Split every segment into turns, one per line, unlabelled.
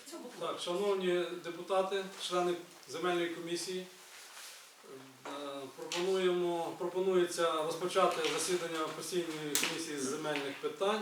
Так, шановні депутати, члени земельної комісії, пропонується розпочати засідання постійної комісії з земельних питань.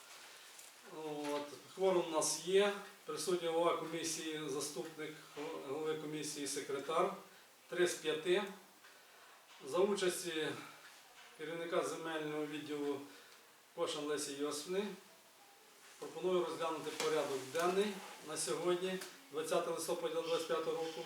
Кворум у нас є, присутній голова комісії, заступник голови комісії, секретар, 3 з 5. За участі керівника земельного відділу Кошан Лесі Йосифівни пропоную розглянути порядок денний на сьогодні, 20 листопада 2025 року.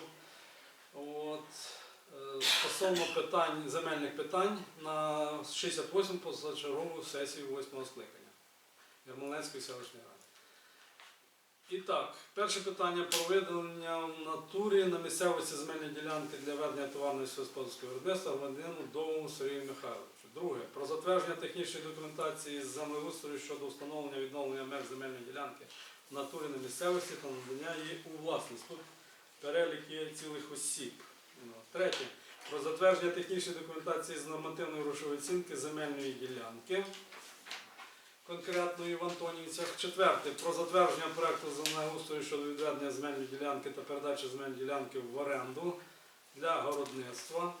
Стосовно земельних питань на 68 позачергову сесію 8-го скликання Ярмолинецької селищної ради. І так, перше питання про виділення в натурі на місцевості земельної ділянки для ведення товарного сільськогосподарського виробництва громадянину Довгому Сергію Михайловичу. Друге, про затвердження технічної документації з землеустрою щодо встановлення відновлення меж земельної ділянки в натурі на місцевості та надання її у власність. Тут перелік є цілих осіб. Третє, про затвердження технічної документації з нормативної грошової оцінки земельної ділянки конкретної в Антонівцях. Четверте, про затвердження проекту землеустрою щодо відведення земельної ділянки та передачі земельної ділянки в оренду для городництва.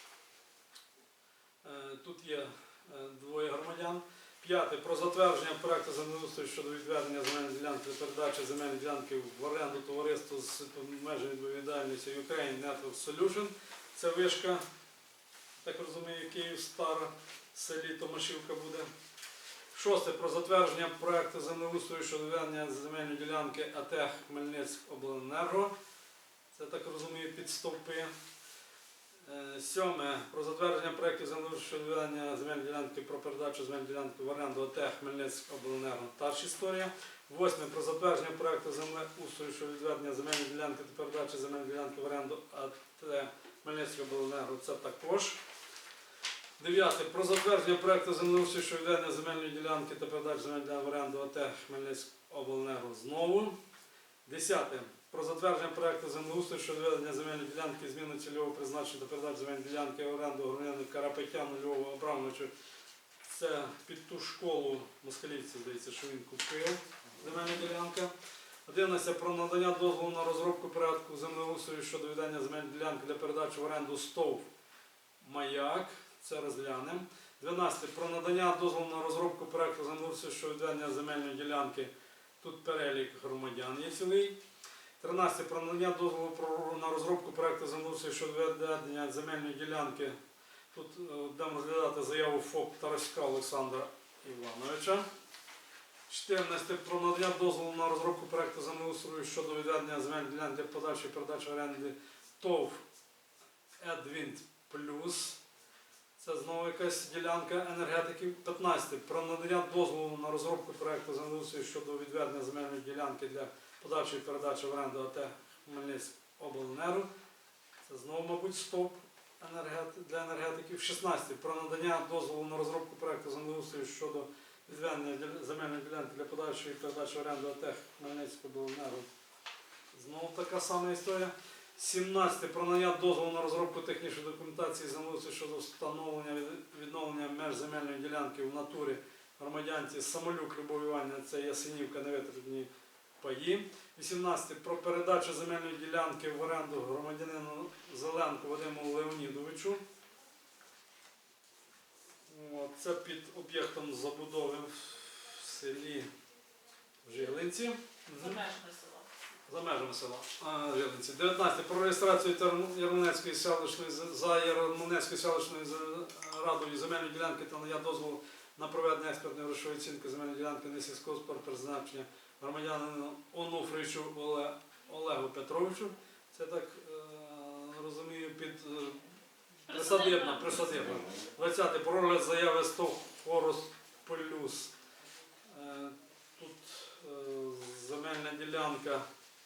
Тут є двоє громадян. П'яте, про затвердження проекту землеустрою щодо відведення земельної ділянки та передачі земельної ділянки в оренду товариству з обмеженою відповідальністю Ukraine Network Solution. Це вишка, так розумію, Київ-Стара, в селі Томашівка буде. Шосте, про затвердження проекту землеустрою щодо відведення земельної ділянки АТ Хмельницькобленерго. Це, так розумію, під стовпи. Сьоме, про затвердження проєктів землеустрою щодо відведення земельної ділянки про передачу земельної ділянки в оренду АТ Хмельницькобленерго. Та ж історія. Восьме, про затвердження проєкту землеустрою щодо відведення земельної ділянки та передачі земельної ділянки в оренду АТ Хмельницькобленерго. Це також. Дев'яте, про затвердження проєкту землеустрою щодо відведення земельної ділянки та передачі земельної ділянки в оренду АТ Хмельницькобленерго. Знову. Десяте, про затвердження проєкту землеустрою щодо відведення земельної ділянки, зміни цільового призначення та передачі земельної ділянки в оренду громадянину Карапетяну Львову Абрамовичу. Це під ту школу москалівців, здається, що він купив земельна ділянка. 11. Про надання дозволу на розробку порядку землеустрою щодо відведення земельної ділянки для передачі в оренду СТОВ Маяк. Це розглянемо. 12. Про надання дозволу на розробку проєкту землеустрою щодо відведення земельної ділянки. Тут перелік громадян є цілий. 13. Про надання дозволу на розробку проєкту землеустрою щодо відведення земельної ділянки. Тут будемо розглядати заяву ФОП Тараська Олександра Івановича. 14. Про надання дозволу на розробку проєкту землеустрою щодо відведення земельної ділянки для подальшої передачі оренди ТОВ Едвінт Плюс. Це знову якась ділянка енергетиків. 15. Про надання дозволу на розробку проєкту землеустрою щодо відведення земельної ділянки для подальшої передачі в оренду АТ Хмельницькобленерго. Це знову, мабуть, СТОП для енергетиків. 16. Про надання дозволу на розробку проєкту землеустрою щодо відведення земельної ділянки для подальшої передачі в оренду АТ Хмельницькобленерго. Знову така сама історія. 17. Про надання дозволу на розробку технічної документації землеустрою щодо встановлення відновлення меж земельної ділянки в натурі громадянці Самолюк Любов Іванівна, це Ясенівка, невитребні паї. 18. Про передачу земельної ділянки в оренду громадянину Зеленку Вадиму Леонідовичу. Це під об'єктом забудови в селі Жилинці. За межами села Жилинці. 19. Про реєстрацію Ярмолинецької селищної радою земельної ділянки та надання дозволу на проведення експертної грошової оцінки земельної ділянки не сільськогосподарського призначення громадянину Онуфричу Олегу Петровичу. Це, так розумію, під присадибна. 20. Про розгляд заяви СТОВ Хорус Плюс. Тут земельна ділянка.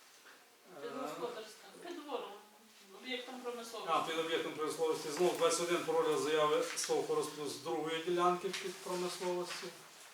Під двором, об'єктом промисловості.
Під об'єктом промисловості. Знову 21 про розгляд заяви СТОВ Хорус Плюс з другої ділянки під промисловості.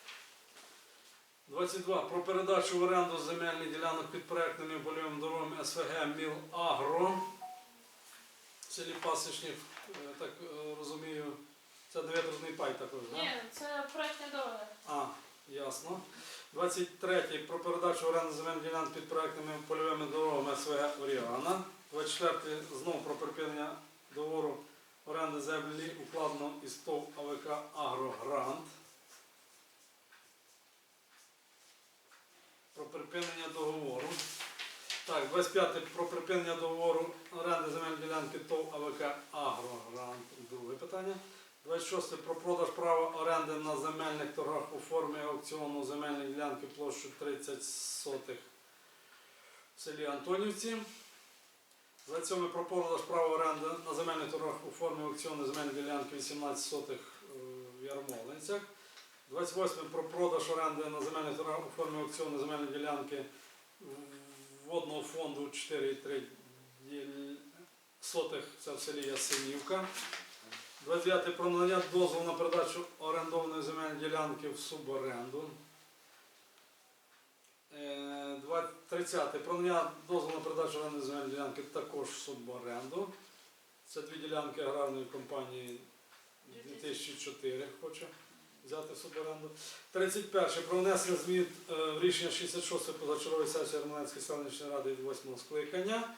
22. Про передачу в оренду земельних ділянок під проєктними і польовими дорогами СВГ Мілагро. В селі Пасічнів, так розумію, це невитребний пай також, так?
Ні, це проєктні дороги.
Ясно. 23 про передачу оренди земельних ділянок під проектними польовими дорогами СВГ Оріана. 24 знову про припинення договору оренди землі укладено із ТОВ АВК «Агрогрант». Про припинення договору. Так, 25 про припинення договору оренди земельної ділянки ТОВ АВК «Агрогрант». Друге питання. 26 про продаж права оренди на земельних торгах у формі аукціону земельної ділянки площею 30 сотих в селі Антонівці. 27 про продаж права оренди на земельних торгах у формі аукціону земельної ділянки 18 сотих в Ярмолинцях. 28 про продаж оренди на земельних торгах у формі аукціону земельної ділянки водного фонду 4,3 сотих, це в селі Ясенівка. 29 про надання дозволу на передачу орендованої земельної ділянки в суборенду. 30 про надання дозволу на передачу орендної земельної ділянки також в суборенду. Це дві ділянки аграрної компанії 2004 хоче взяти в суборенду. 31 про внесення змін в рішення 66 позачергової сесії Ярмолинської селищної ради від 8 скликання.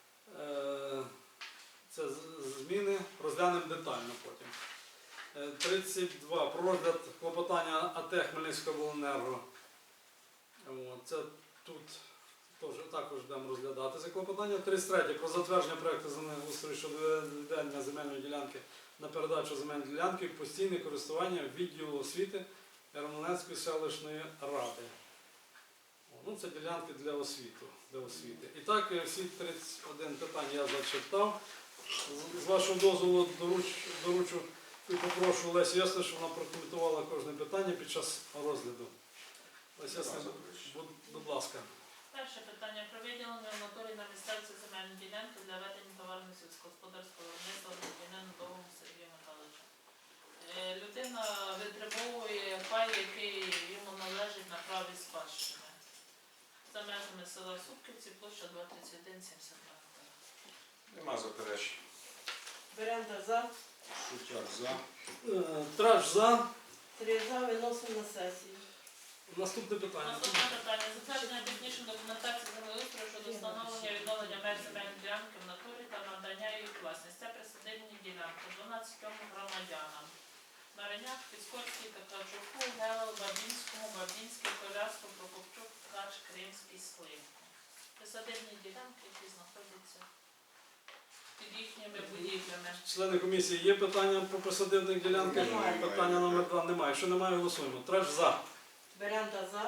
Це зміни, розглянемо детально потім. 32. Про розгляд клопотання АТ Хмельницького обленерго. Це тут також будемо розглядати це клопотання. 33. Про затвердження проєкту землеустрою щодо відведення земельної ділянки на передачу земельної ділянки в постійне користування відділу освіти Ярмолинської селищної ради. Це ділянки для освіти. І так, всі 31 питання я зачитав. З вашого дозволу доручу і попрошу Лесі Ясну, щоб вона прокоментувала кожне питання під час розгляду. Лесі Ясна, будь ласка.
Перше питання про виділення в натурі на місцевці земельної ділянки для ведення товарного сільськогосподарського виробництва громадянину Довгому Сергію Михайловичу. Людина витребовує пай, який йому належить на праві спадщини. За межами села Супківці, площа 231,72.
Нема заперечень.
Беренда за.
Шутяк за.
Траж за.
3 за. Виносимо на сесію.
Наступне питання.
Наступне питання. Затвердження технічної документації землеустрою щодо встановлення і відновлення меж земельної ділянки в натурі та надання її власність. Це присадибні ділянки 12 громадянам. Мариняк, Піскорський, Такачуку, Гелел, Бабінському, Бабінський, Коляску, Прокопчук, Ткач, Кримський, Сливко. Присадибні ділянки, які знаходяться під їхніми будівлями.
Члени комісії, є питання по присадибних ділянках?
Немає.
Питання номер 2 немає. Якщо немає, голосуємо. Траж за.
Беренда за.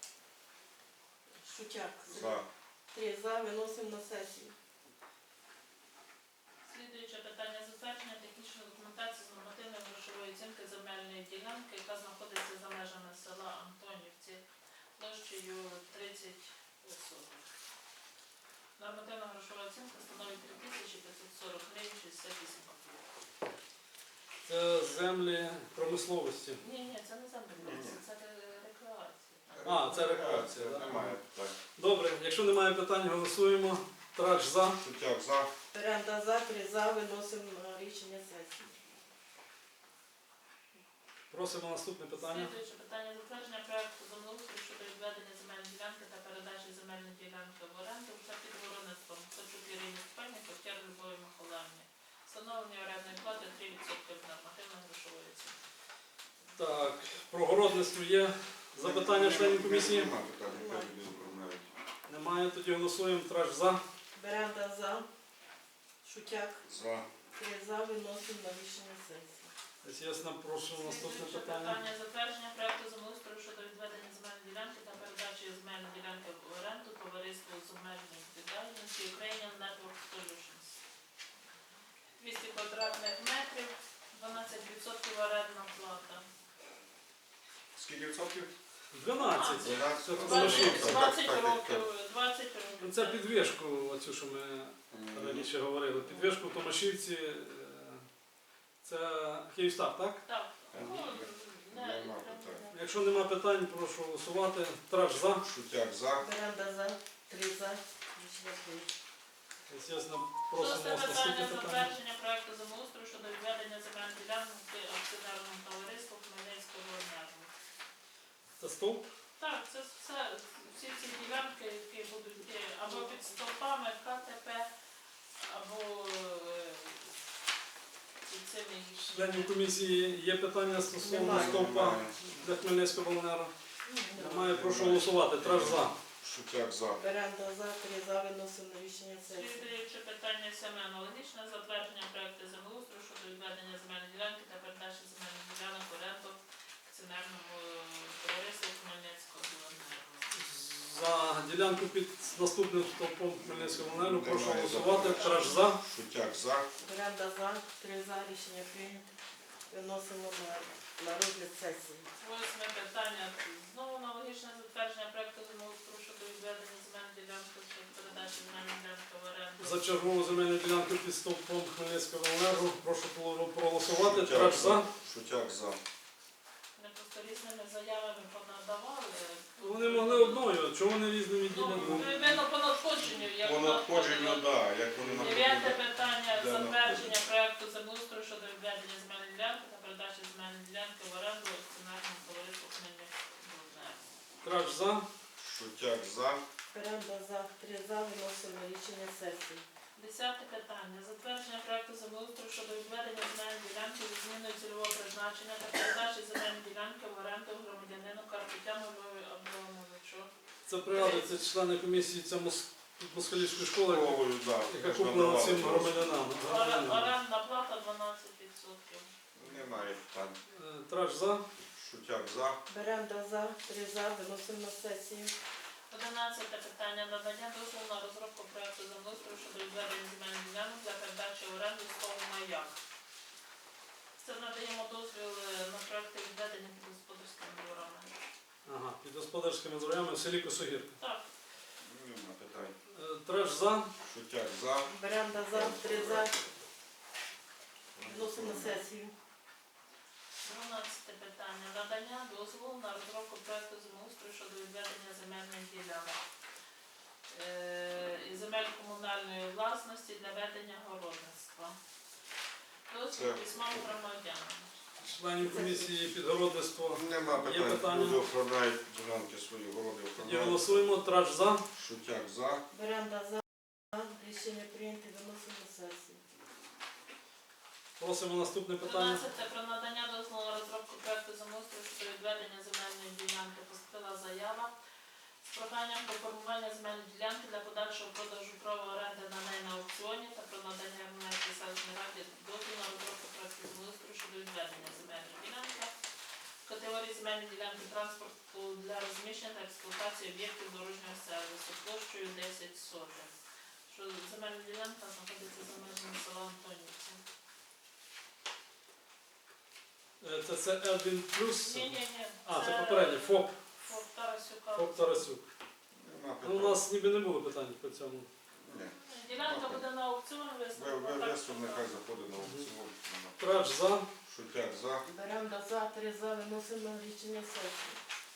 Шутяк.
За.
3 за. Виносимо на сесію.
Слідуюче питання затвердження технічної документації з нормативної грошової оцінки земельної ділянки, яка знаходиться за межами села Антонівці площею 30 соток. Нормативна грошова оцінка становить 3540 гривень 68 копійок.
Це землі промисловості.
Ні, це не землі, це рекреація.
Це рекреація, так?
Немає питань.
Добре, якщо немає питань, голосуємо. Траж за.
Шутяк за.
Беренда за. 3 за. Виносимо на рішення сесії.
Просимо наступне питання.
Слідуюче питання затвердження проекту землеустрою щодо відведення земельної ділянки та передачі земельної ділянки в оренду за підгородництвом Ткачук Ірині Степанівні, Коптяр Любові Миколаївні. Встановлення орендної плати 3% від нормативної грошової оцінки.
Так, про городництво є запитання членів комісії?
Нема питань, яка люди оформляють.
Немає, тоді голосуємо. Траж за.
Беренда за. Шутяк.
За.
3 за. Виносимо на рішення сесії.
Ясно, прошу наступне
Слідуюче
питання.
питання затвердження проекту землеустрою щодо відведення земельної ділянки та передачі земельної ділянки в оренду товариству з обмеженою відповідальністю Ukrainian Network Solutions. 200 квадратних метрів, 12% орендна плата.
Скільки відсотків?
12.
12.
Це тут
20
лишився.
років, 20 років.
Це підвішку, оцю, що ми раніше говорили. Підвішку в Томашівці. Це Київстар, так?
Так.
Нема питань.
Якщо нема питань, прошу голосувати. Траж за.
Шутяк за.
Беренда за. 3 за. Рішення прийнято.
Ясно, просимо
Шосте
наступне
питання
питання.
затвердження проекту землеустрою щодо відведення земельної ділянки акціонерному товариству Хмельницького енерго.
Це стовп?
Так, це все, всі ці ділянки, які будуть йти або під стовпами КТП, або під цими
Членів комісії є питання стосовно
Немає.
стовпа для Хмельницького обленерго? Немає, прошу голосувати. Траж за.
Шутяк за.
Беремо за, 3 за, виносимо на рішення сесії.
Слідуюче питання сьоме аналогічне затвердження проекту землеустрою щодо відведення земельної ділянки та передачі земельних ділянок в оренду акціонерному товариству Хмельницького обленерго.
За ділянку під наступним стовпом Хмельницького обленерго прошу голосувати. Траж за.
Шутяк за.
Беремо за, 3 за, рішення прийнято. Виносимо на розгляд сесії.
Восьме питання. Знову аналогічне затвердження проекту землеустрою щодо відведення земельної ділянки та передачі земельної ділянки в оренду.
За чергову земельну ділянку під стовпом Хмельницького обленерго прошу проголосувати. Траж за.
Шутяк за.
Ми просто різними заявами понадавали.
Вони могли одною, чого вони різними
Ну,
ділянками?
видно по надходженню, як
По надходженню, так, як вони
Дев'яте
надходять.
питання.
Де
Затвердження проекту землеустрою щодо відведення земельної ділянки та передачі земельної ділянки в оренду акціонерному товариству Хмельницького обленерго.
Траж за.
Шутяк за.
Беремо за, 3 за, виносимо на рішення сесії.
Десяте питання. Затвердження проекту землеустрою щодо відведення земельної ділянки зі зміною цільового призначення та передачі земельної ділянки в оренду громадянину Карпетяну Львові Абрамовичу.
Це пригадується члени комісії москалівської школи,
Головою, так.
яка куплена цим громадянам.
Орендна плата 12%.
Немає питань.
Траж за.
Шутяк за.
Беремо за, 3 за, виносимо на сесію.
11 питання. Надання дозволу на розробку проекту землеустрою щодо відведення земельних ділянок для передачі в оренду СТОВ «Маяк». Це надаємо дозвіл на проекти відведення під господарськими дворами.
Ага, під господарськими дворами в селі Косогірка.
Так,
Нема питань.
Траж за.
Шутяк за.
Беремо за, 3 за, виносимо на сесію.
12 питання. Надання дозволу на розробку проекту землеустрою щодо відведення земельних ділянок і земель комунальної власності для ведення городництва. Дозвіл
Це-
письма громадянам.
Членів комісії підгородництва.
Нема
Є
питань.
питання?
Люди охороняють ділянки свої, городи
Є
охороняють.
голосуємо. Траж за.
Шутяк за.
Беремо за, рішення прийнято, виносимо на сесію.
Просимо наступне питання.
13. Про надання дозволу на розробку проекту землеустрою щодо відведення земельної ділянки. Поступила заява з проханням про формування земельної ділянки для подальшого продажу права оренди на неї на аукціоні та про надання Рівненській селищній раді дозволу на розробку проекту землеустрою щодо відведення земельної ділянки в категорії земельної ділянки транспорту для розміщення та експлуатації об'єктів дорожнього сервісу площею 10 сотих. Що земельна ділянка знаходиться за межами села Антонівці.
Це L1 плюс.
Ні.
А, це попередній. ФОП.
Фоп Тарасюка.
ФОП Тарасюк.
Нема
Ну, у
питань.
нас ніби не було питань по цьому.
Ні.
Ділянка буде на аукціон виставлена.
Весом нехай заходить на аукціон. Нема.
Траж за.
Шутяк за.
Беремо за, 3 за, виносимо на рішення сесії.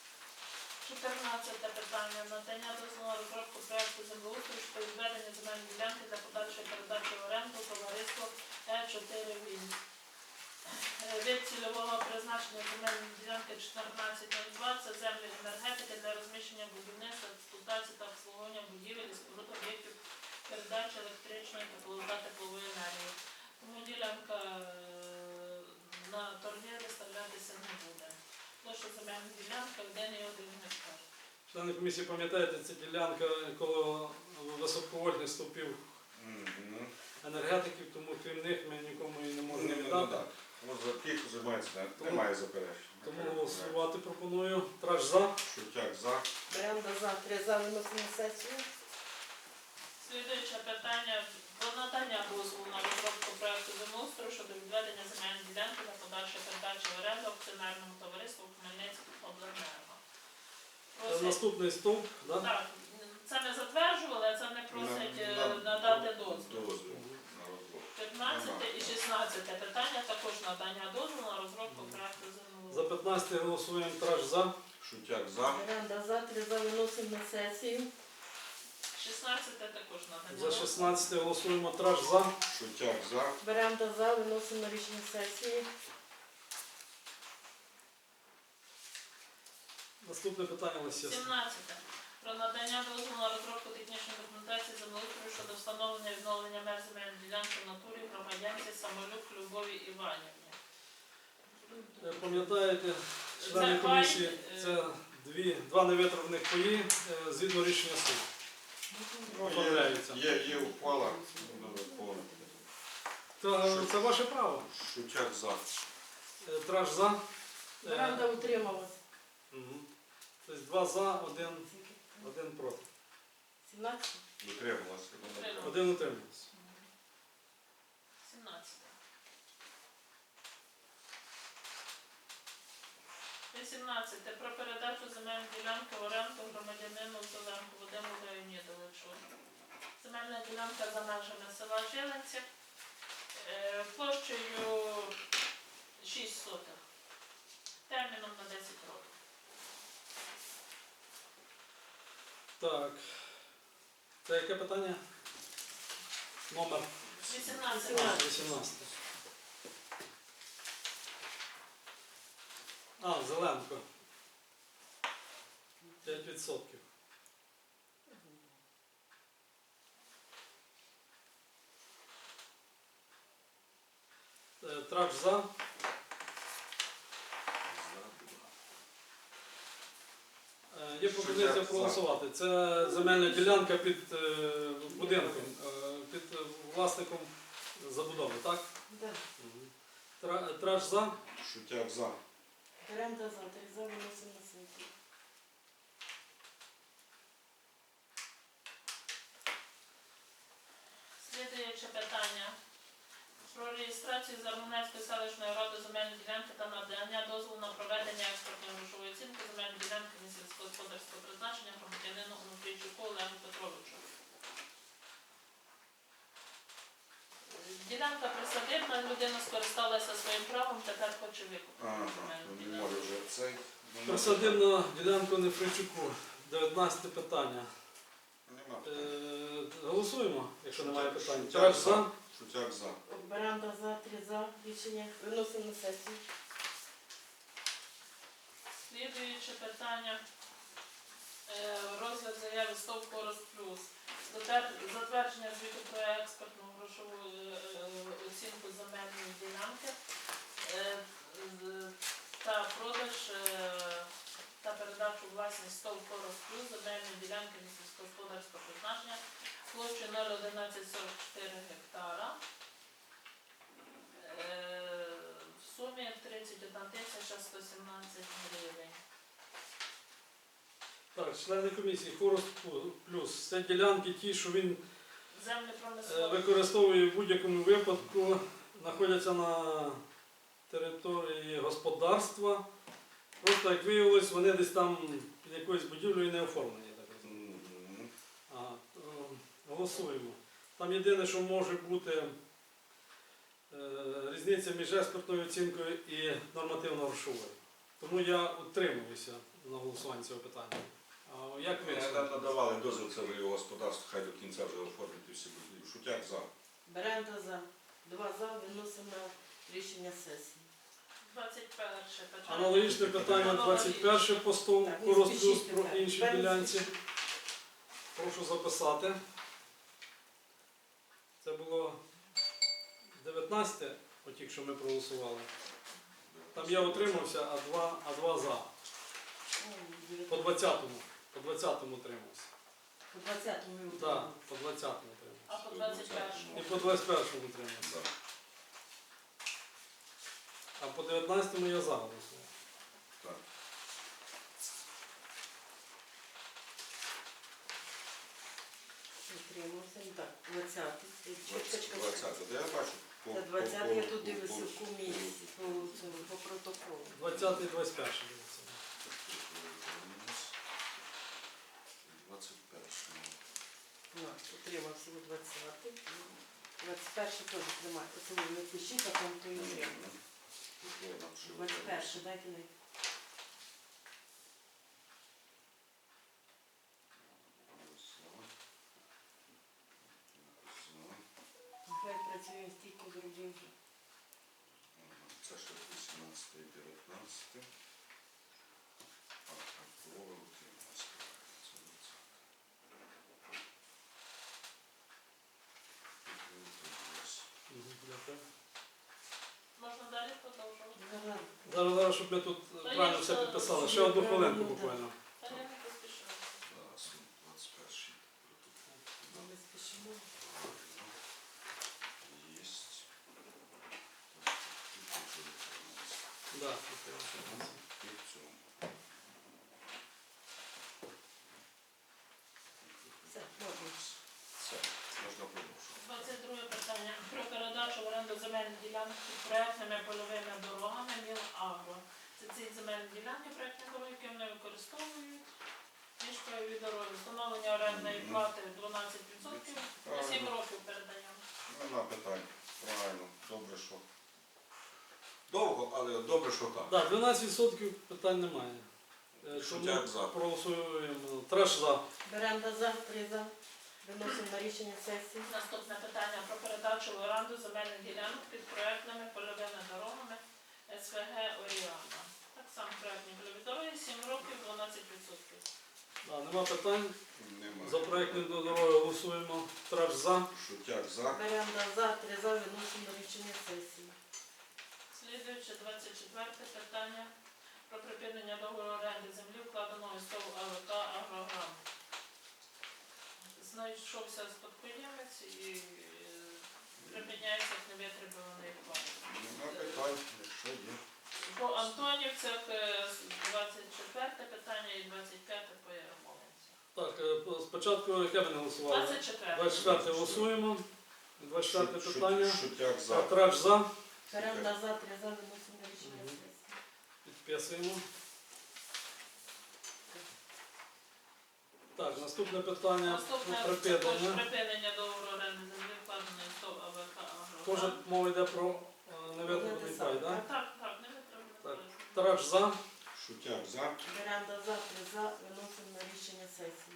14 питання. Надання дозволу на розробку проекту землеустрою щодо відведення земельної ділянки для подальшої передачі в оренду товариству Е4 Він. Від цільового призначення земельної ділянки 1402 це землі енергетики для розміщення будівництва, експлуатації та обслуговування будівель і споруд об'єктів передачі електричної та теплової енергії. Тому ділянка на торгі виставлятися не буде. Площа земельної ділянки 1,1 гектар.
Члени комісії, пам'ятаєте, це ділянка коло високовольтних стовпів
Мгм.
енергетиків, тому крім них ми нікому і не можемо
Не
віддати.
надати. Ось за тих займається,
Тому-
немає заперечень.
Тому голосувати пропоную. Траж за.
Шутяк за.
Беремо за, 3 за, виносимо на сесію.
Слідуюче питання про надання дозволу на розробку проекту землеустрою щодо відведення земельної ділянки для подальшої передачі в оренду акціонерному товариству Хмельницького обленерго. Просять-
Наступний стовп. Да?
Так, це ми затверджували, а це не просять надати дозвіл.
Дозвіл на розробку.
15 і 16 питання також надання дозволу на розробку проекту
За
землеустрою.
15 голосуємо. Траж за.
Шутяк за.
Беремо за, 3 за, виносимо на сесію.
16 також надання
За
дозволу.
16 голосуємо. Траж за.
Шутяк за.
Беремо за, виносимо на рішення сесії.
Наступне питання Лисівська.
17. Про надання дозволу на розробку технічної документації землеустрою щодо встановлення і відновлення меж земельної ділянки в натурі громадянці Самолюк Любові Іванівні.
Пам'ятаєте, члени
Це
комісії,
пай,
це два невитравних паї згідно рішення суду. Оформляються.
Є ухвала. Буде повнити.
Це ваше право.
Шутяк за.
Траж за.
Веранда утрималась.
Мгм. Тобто 2 за, 1 проти.
17.
Дотрималася.
Дотрималася.
1 утримався.
17. 18. Про передачу земельної ділянки в оренду громадянину Зеленку Вадиму Леонідовичу. Земельна ділянка за межами села Жилинці площею 6 сотих. Терміном на 10 років.
Так. Це яке питання? Номер
18.
18. Зеленко. 5%. Траж за. Є пропозиція проголосувати. Це земельна ділянка під будинком, під власником забудови, так?
Да.
Траж за.
Шутяк за.
Веранда за. 3 за. Виносимо на сесію.
Слідуюче питання. Про реєстрацію Зармунецької селищної ради земельної ділянки та надання дозволу на проведення експертної грошової оцінки земельної ділянки сільськогосподарського призначення громадянину Онуфрійчуку Олегу Петровичу. Ділянка присадибна, людина скористалася своїм правом, тепер хоче викупити
Ага,
земельну
не
ділянку.
може вже цей.
Присадибна ділянка Нефричуку. 19 питання.
Нема.
Голосуємо, якщо немає питань.
Шутяк
Траж за.
Шутяк за.
Веранда за. 3 за. Рішення виносимо на сесію.
Слідуюче питання. Розгляд заяви СТОВ «Корос Плюс». Затвердження звіту про експертну грошову оцінку земельної ділянки та продаж та передачу у власність СТОВ «Корос Плюс» земельної ділянки сільськогосподарського призначення площею 0,1144 гектара в сумі 31 117 гривень.
Так, члени комісії, Хорос плюс. Це ділянки ті, що він
Землі промислові.
використовує в будь-якому випадку, знаходяться на території господарства. Просто, як виявилось, вони десь там під якоюсь будівлею не оформлені. Я так розумію.
Мгм.
Голосуємо. Там єдине, що може бути різниця між експертною оцінкою і нормативно-грошовою. Тому я утримуюся на голосуванні цього питання. А як ви?
Ми нам надавали дозвіл, це вже його господарство, хай до кінця вже оформити всі будівлі. Шутяк за.
Веранда за. 2 за. Виносимо на рішення сесії.
21 питання.
Аналогічне питання 21 по стову
Так, не
Хорос плюс
спішіть,
про
так.
інші
Без
ділянці.
спішіть.
Прошу записати. Це було 19, оті, що ми проголосували. Там я утримався, а два за. По 20-му утримався.
По 20-му ми
Так,
утримали.
по 20-му утримався.
А по 21.
І по 21-му утримався.
За.
А по 19-му я за голосував.
Так.
Утримався. Так, 20-й. Чекачка.
20. Я бачу.
Та 20-й я тут дивлюся в комісії по протоколу.
20-й, 21-й. дивіться.
21.
Утримався у 20-й. 21-й теж тримає. Це не пишіть, а там то і утримався. 21-й, дайте мені. Хай працює стільки зробив вже.
Це ще 18 і 19. Проти утримались. Це 20. Утримались.
Дякую.
Можна далі продовжувати?
Зараз, щоб ми тут правильно все підписали. Ще одну хвилинку буквально.
Та я не поспішаю.
Зараз 21 протокол.
Ми спішимо.
Єсть.
Да.
І в цьому.
Все, можна.
Все, можна продовжувати.
22 питання. Про передачу в оренду земельних ділянок під проектними польовими дорогами Міл-Агро. Це ці земельні ділянки проектні дороги, які вони використовують. Між польові дороги. Встановлення орендної плати 12%. На 7 років передаємо.
Нема питань. Правильно. Добре, що. Довго, але добре, що так.
Так, 12% питань немає.
Шутяк за.
Проголосуємо. Треш за.
Беремо за, 3 за. Виносимо на рішення сесії.
Наступне питання про передачу в оренду земельних ділянок під проектними польовими дорогами СВГ Оріана. Так само проектні польові дороги, 7 років, 12%.
Да, нема питань.
Нема.
За проєктною дорогою голосуємо. Треш за.
Шутяк за.
Беремо за, 3 за. Виносимо на рішення сесії.
Слідуюче 24 питання про припинення договору оренди землі, вкладеного із ТОВ АВК «Агрограм». Знайшовся спадкоємець і припиняється як невитребуваний вклад.
Нема питань. Якщо є.
По Антонівцях 24 питання і 25 по Ярмолинцях.
Так, спочатку яке ми не голосували?
24.
24 голосуємо. 24 питання.
Шутяк за.
Треш за.
Беремо за, 3 за. Виносимо на рішення сесії.
Підписуємо. Так, наступне питання
Наступне
про
це також
припинення.
припинення договору оренди землі, вкладеної з ТОВ АВК
Теж
«Агрограм».
мова йде про невитребуваний пай, так?
Так, невитребуваний
Так.
пай.
Треш за.
Шутяк за.
Беремо за, 3 за. Виносимо на рішення сесії.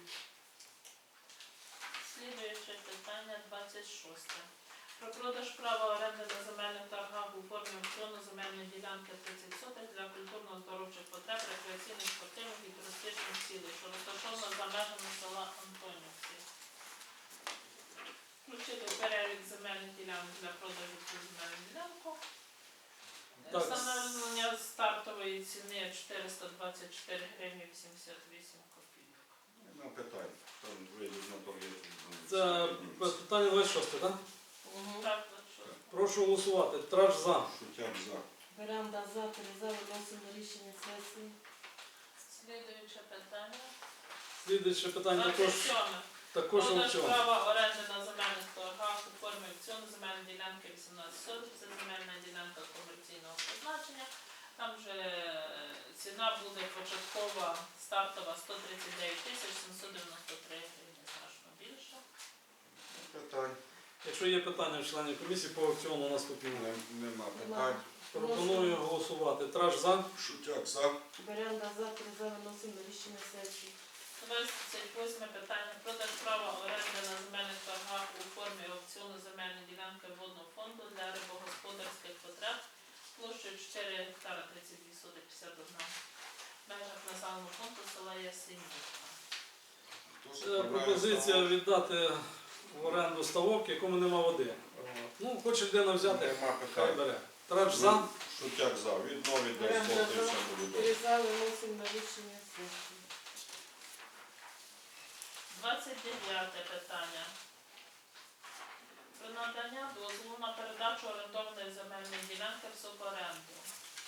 Слідуюче питання 26. Про продаж права оренди на земельних торгах у формі аукціону земельної ділянки 30 сотих для культурно-здоровчих потреб, рекреаційних, спортивних і туристичних цілей, що розташована за межами села Антонівці. Включити в перелік земельних ділянок для продажу цю земельну ділянку.
Так.
Встановлення стартової ціни 424 гривні 88 копійок.
Нема питань. Там вийдуть на торги.
Це питання 26, так?
Так, що?
Прошу голосувати. Треш за.
Шутяк за.
Беремо за, 3 за. Виносимо на рішення сесії.
Слідуюче питання.
Слідуюче питання також
27.
також
Продаж
аукціон.
права оренди на земельних торгах у формі аукціону земельної ділянки 18 сотих. Це земельна ділянка комерційного призначення. Там же ціна буде початкова, стартова 139 тисяч 793 гривні, значно більше.
Питань.
Якщо є питання в членів комісії по аукціону наступному,
Нема питань.
пропоную голосувати. Треш за.
Шутяк за.
Беремо за, 3 за. Виносимо на рішення сесії.
28 питання. Продаж права оренди на земельних торгах у формі аукціону земельної ділянки водного фонду для рибогосподарських потреб площею 4 гектара 32 сотих 51 в межах населеного пункту села Ясенівка.
Пропозиція віддати в оренду ставок, якому нема води. Ну, хоче людина взяти,
Нема
хай
питань.
бере. Треш за.
Шутяк за. Відновить десь
Беремо
доти,
за,
все буде
3
добре.
за. Виносимо на рішення сесії.
29 питання. Про надання дозволу на передачу орендованої земельної ділянки в суборенду.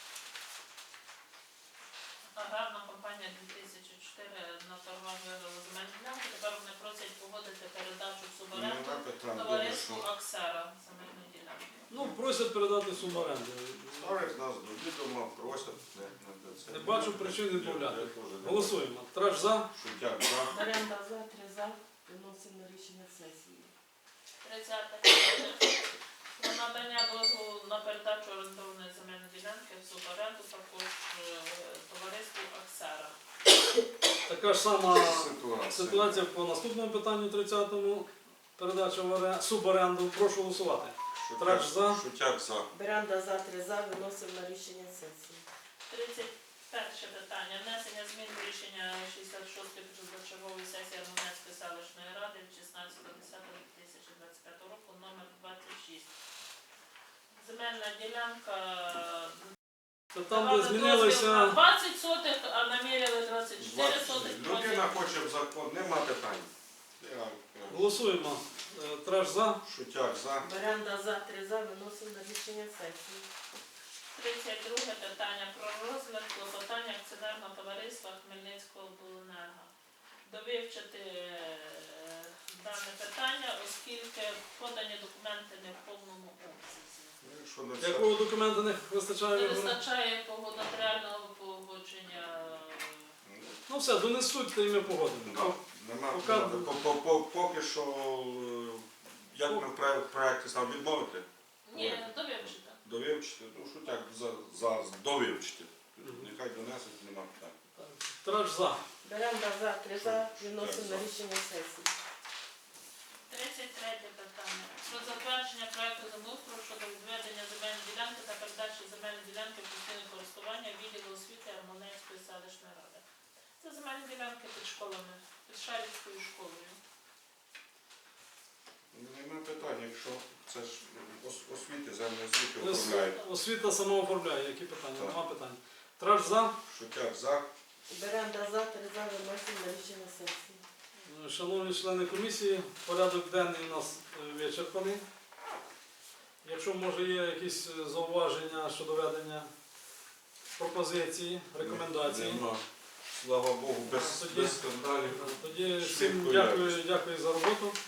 Аграрна компанія 2004 на торгах виграла земельну ділянку. Тепер вони просять погодити передачу в суборенду
Нема питань. Добре,
товариству
що.
Аксера земельну ділянку.
Ну, просять передати суму оренди.
Ставлять нас до відома, просять. Це
Не бачу причин відмовляти.
Я теж не
Голосуємо. Треш за.
бачу. Шутяк за.
Беремо за, 3 за. Виносимо на рішення сесії.
30 питання. Про надання дозволу на передачу орендованої земельної ділянки в суборенду також товариству Аксера.
Така ж сама
Ситуація.
ситуація по наступному питанню 30-му. Передача в суборенду. Прошу голосувати. Треш за.
Шутяк за.
Беремо за, 3 за. Виносимо на рішення сесії.
Перше питання. Внесення змін до рішення 66-ї позачергової сесії Армунецької селищної ради від 16.10.2025 року номер 26. Земельна ділянка
Це там, де
давали дозвіл на
змінилися.
20 сотих, а наміряли 24 сотих.
Людина хоче в закон, нема питань. Я,
Голосуємо. Траж за.
Шутяк за.
Беренда за, 3 за, виносимо на рішення сесії.
32 питання про розгляд клопотання акціонерного товариства Хмельницького обленерго. Довивчити дане питання, оскільки подані документи не в повному обсязі.
Якщо не все.
Якого документу не вистачає?
Не
Ігоре?
вистачає нотаріального погодження.
Ну все, донесуть, то і ми погодимо.
Да. Нема,
Поки-
поки що, як ми в проєкті сам відмовити,
Ні, довивчити.
довивчити, ну Шутяк за довивчити. Нехай донесуть, нема питань.
Траж за.
Беренда за, 3 за, виносимо на рішення сесії.
33 питання. Про затвердження проекту землеустрою щодо відведення земельної ділянки та передачі земельної ділянки в постійне користування відділу освіти Армунецької селищної ради. Це земельні ділянки під школами, під Шарівською школою.
Нема питань, якщо це ж освіти, землі освіти управляють.
Освіта сама оформляє. Які питання?
Так.
Нема питань. Траж за.
Шутяк за.
Беренда за, 3 за, виносимо на рішення сесії.
Шановні члени комісії, порядок денний у нас вичерпаний. Якщо, може, є якісь зауваження щодо ведення пропозиції, рекомендації.
Нема. Слава Богу, без
Тоді-
скандалів.
Тоді всім
Швидко і
дякую за роботу.